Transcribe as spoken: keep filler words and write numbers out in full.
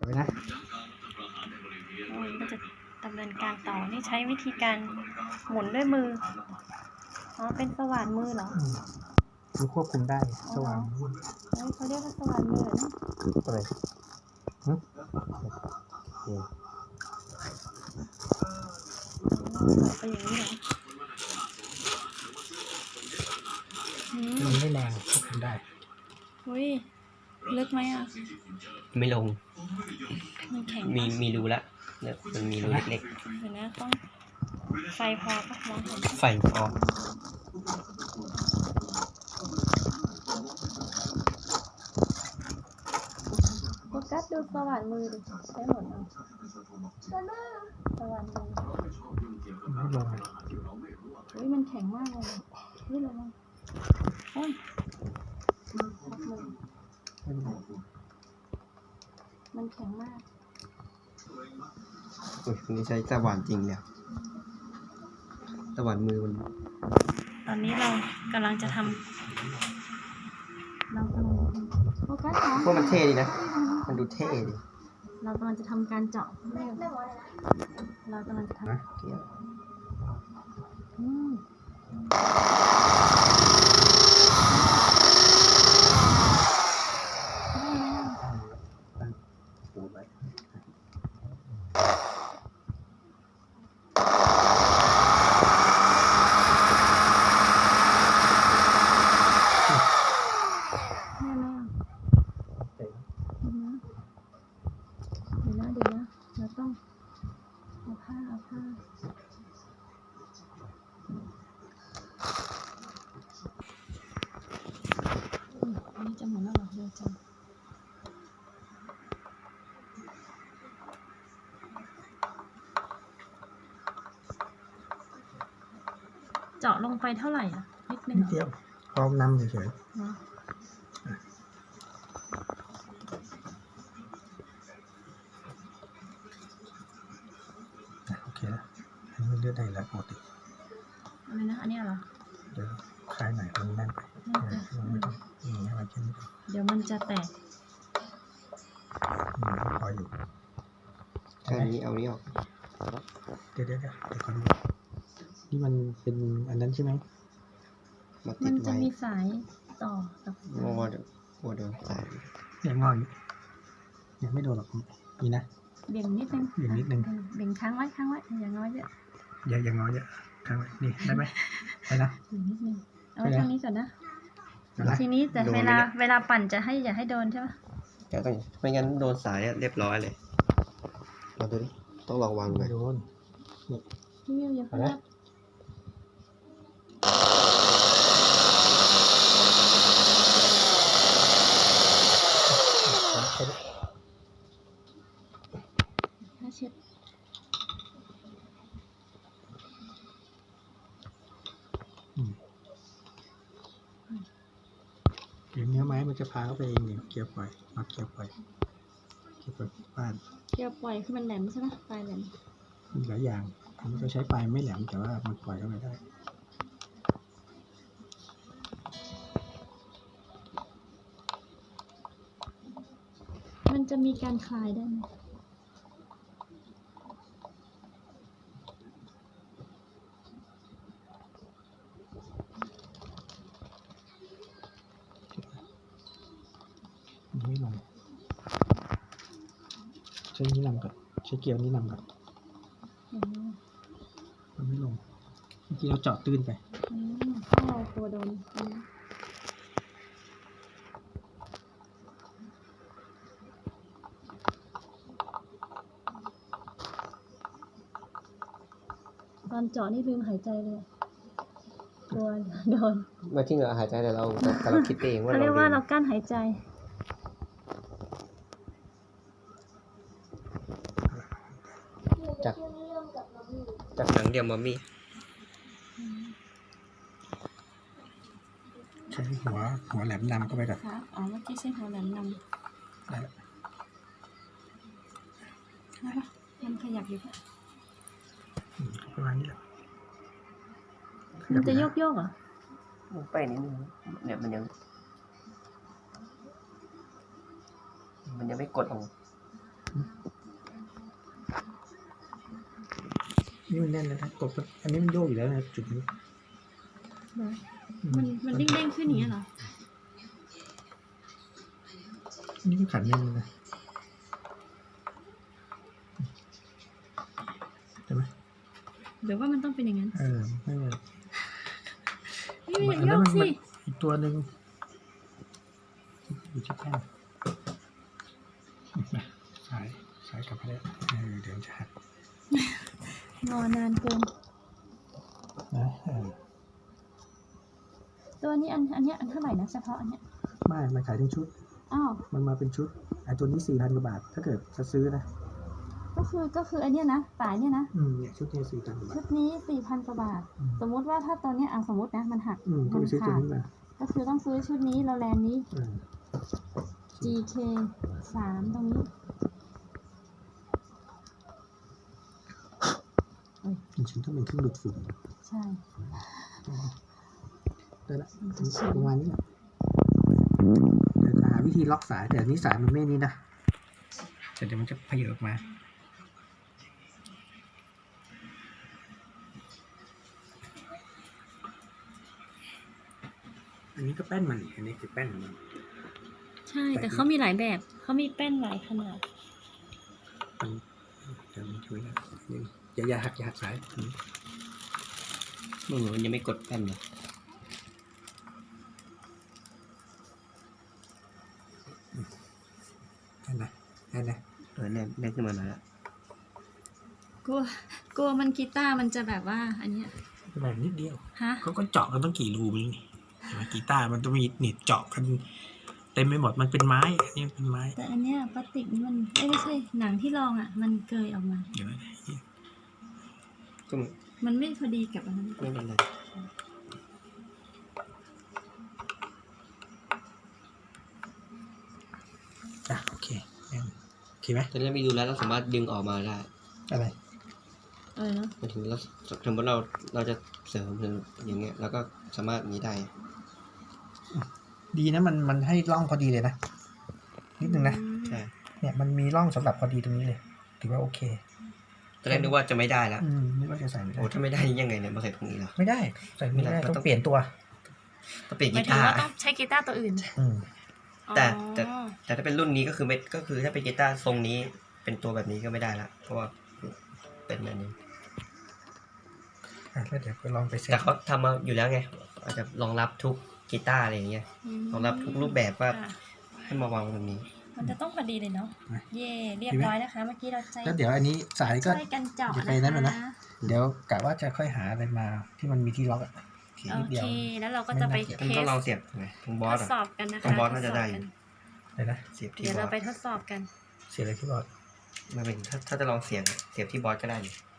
ไปนะโอ้ยก็จะดำเนินการต่อนี่ใช้วิธีการหมุนด้วยมืออ๋อเป็นสว่านมือเหรอมันควบคุมได้สว่างเฮ้ยเขาเรียกว่าสว่านมือนะอะไรฮะเป็นอย่างนี้เหรอมันไม่แรงควบคุมได้อุ้ยลึกไหมอ่ะไม่ลงมันแข็งมีมีรูละเนี่ยมันมีรูเล็กๆเดี๋ยวนะต้องไฟพอปะมองเห็นๆไฟพอโฟกัสดูสว่านมือดิใช้หมดอ่ะสว่านมือไม่ลงอุ้ยมันแข็งมากเลยเฮ้ยระวังโอ้ยมันแข็งมากอุ้ยคนนี้ใช้ตะวันจริงเนี่ยตะวันมือมันตอนนี้เรากำลังจะทำเรากำลังจะทำโฟกัสของพวกมันเท่ดีนะมันดูเท่ดีเรากำลังจะทำการเจาะเร็วเรากำลังจะทำนะเกี่ยวอืมปูไว้เดี๋ยวนะเดี๋ยวนะเราต้องเอาผ้าเอาผ้าอันนี้จะเหมือนเราเร็วจังเจาะลงไปเท่าไหร่อ่ะนิดนึงนิดเดียวพร้อมน้ำเฉยเนาะโอเคแล้วอันนี้เลือดได้แล้วปกติอะไรนะอันนี้เหรอเดี๋ยวคลายหน่อยมันแน่นไปไม่ต้องอย่างนี้มาแค่นี้เดี๋ยวมันจะแตกพออยู่แค่นี้เอานี้ออกเดี๋ยวเดี๋ยวเดี๋ยวเดี๋ยวขอดูนี่มันเป็นอันนั้นใช่ไหมมันจะมีสายต่อกับงอเดี๋ยวงอเดี๋ยวสายเนี่ยงออยู่ยังไม่โดนหรอกนี่นะเบี่ยงนิดนึงเบี่ยงนิดนึงเบี่ยงค้างไว้ค้างไว้อย่างน้อยเยอะอย่าอย่างน้อยเยอะค้างไว้นี่ได้ไหมได้นะเบี่ยงนิดนึงเอาไว้ทางนี้ก่อนนะทีนี้แต่เวลาเวลาปั่นจะให้อย่าให้โดนใช่ปะจะต้องไม่งั้นโดนสายเรียบร้อยเลยมาดูดิต้องระวังเลยโดนพี่มิวอย่าพลาดถ้าเช็ดเดี๋ยวเนื้อไม้มันจะพาเข้าไปเองเกี่ยวปล่อยมัดเกี่ยวปล่อยเกี่ยวปล่อยบ้านเกี่ยวปล่อยคือมันแหลมใช่ไหมปลายแหลมมีหลายอย่างมันก็ใช้ปลายไม่แหลมแต่ว่ามันปล่อยเข้าไปได้มันจะมีการคลายได้ไหมไม่ลงใช้นี้นำก่อนใช้เกลียวนี้นำก่อนมันไม่ลงเมื่อกี้เราเจาะตื้นไปถ้าเราตัวโดนตอนเจาะนี่ลืมหายใจเลยกลัวโดนไม่ที่เหลือหายใจแต่เราแต่เราคิดเองว่าเขาเรียกว่าเรากั้นหายใจจากจากหนังเดียวมัมมี่ใช้หัวหัวแหลมนำเข้าไปก่อนอ๋อเมื่อกี้ใช้หัวแหลมนำได้แล้วมันขยับอยู่ปะประมาณนี้แหละมันจะโยกโยกเหรอไปนิดนึงเนี่ยมันยังมันยังไม่กดลงอืนี่มันแน่นแล้วนะกดมันอันนี้มันโยกอยู่แล้วนะจุดนี้เหรออืมันมันเด้งๆขึ้นอย่างเงี้ยเหรอนี่ก็ขันแน่นเลยนะใช่ไหมหรือว่ามันต้องเป็นอย่างนั้นเออไม่เป็นไรนี่มันอันโยนั้นกมันสิมันอีกตัวหนึ่งอยู่ที่แป้นสายสายกลับมาแล้วเออเดี๋ยวจะหักงอนานเกินนะเออตัวนี้อันอันเนี้ยอันเท่าไหร่นะเฉพาะอันเนี้ยไม่มันขายทั้งชุดอ้าวมันมาเป็นชุดไอ้ตัวนี้สี่พันกว่าบาท ถ้าเกิดจะซื้อนะก็คือก็คืออันเนี้ยนะสายเนี่ยนะอืมเนี่ยชุดนี้สี่พันกว่าบาชุทดนี้สี่พันกว่าบาทอืมสมมุติว่าถ้าตัวเนี้ยอ่ะสมมตินะมันหักอืมก็ไปซื้อตัวขาดนี้มาก็คือต้องซื้อชุดนี้เราแลนนี้เออจี เค สามตรงนี้จริงๆต้องเป็นเครื่องดูดฝุ่นใช่ได้ละประมาณนี้แหละเดี๋ยวจะหาวิธีล็อกสายแต่อันนี้สายมันไม่นี่นะแต่เดี๋ยวมันจะเพยออกมา อันนี้ก็แป้นมันอีกอันนี้คือแป้นมันใช่แต่เขามีหลายแบบเขามีแป้นหลายขนาดมันเดี๋ยวมันช่วยนะนี่อย่าอย่าหักอย่าหักสายอืมมึงมันยังไม่กดแป้นเลยนั่นนะนั่นนะเออแน่นแน่นขึ้นมาหน่อยละกลัวกลัวมันกีตาร์มันจะแบบว่า อันเนี้ยแบบนิดเดียวฮะเขาก็เจาะกันต้องกี่รูมั้งนี่เห็นไหมกีตาร์มันต้องมีเน็ตเจาะกันเต็มไปหมดมันเป็นไม้อันนี้เป็นไม้แต่อันเนี้ยพลาสติกนี่มันเอ้ยไม่ใช่หนังที่รองอ่ะ มันเกยออกมาเดี๋ยวนะก็มันไม่พอดีกับอันนั้นไม่เป็นไรอ่ะโอเคยังโอเคไหมตอนนี้ไม่ดูแล้วเราสามารถดึงออกมาได้อะไรเออเนาะหมายถึงเราสมมติเราเราจะเสริมหรืออย่างเงี้ยเราก็สามารถนี้ได้ดีนะมันมันให้ร่องพอดีเลยนะนิดนึงนะใช่เนี่ยมันมีร่องสำหรับพอดีตรงนี้เลยถือว่าโอเคตอนแรกนึกว่าจะไม่ได้แล้วอืมนึกว่าจะใส่ไม่ได้โอ้ถ้าไม่ได้ยังไงเนี่ยมาใส่ตรงนี้เหรอไม่ได้ใส่ไม่ได้ไม่ได้ต้องเปลี่ยนตัวต้องเปลี่ยนหมากียถึงตาร์ว่าต้องใช้กีตาร์ตัวอื่นอืมแต่แต่อ๋อแต่ถ้าเป็นรุ่นนี้ก็คือไม่ก็คือถ้าเป็นกีตาร์ทรงนี้เป็นตัวแบบนี้ก็ไม่ได้ละเพราะว่าเป็นแบบนี้อ่ะแล้วเดี๋ยวไปลองไปเซ็ตแต่เขาทำมาอยู่แล้วไงอาจจะรองรับทุกกีตาร์อะไรอย่างเงี้ยมรองรับทุกรูปแบบว่าค่ะให้มาวางแบบนี้มันจะต้องพอดีเลยเนาะ เย่เรียบร้อยนะคะ เมื่อกี้เราใช้แล้วเดี๋ยวอันนี้สายก็ช่วยกันเจาะอย่านะไปนั่นมันนะคะเดี๋ยวกะว่าจะค่อยหาอะไรมาที่มันมีที่ล็อกอะโอนิดเดีเคยวแล้วเราก็จะไปมันเทต้อสงลองเสียบไงตรงบอทสดอ่ะสอบกันนะคะตรงบอสน่าจะได้ทดสอบกันเลยนะเสียบที่เดี๋ยวบอเราสไปทดสอบกันเสียอะไรที่บอร์ดไมาเป็นถ้าถ้าจะลองเสียบเสียบที่บอสก็ได้อยู่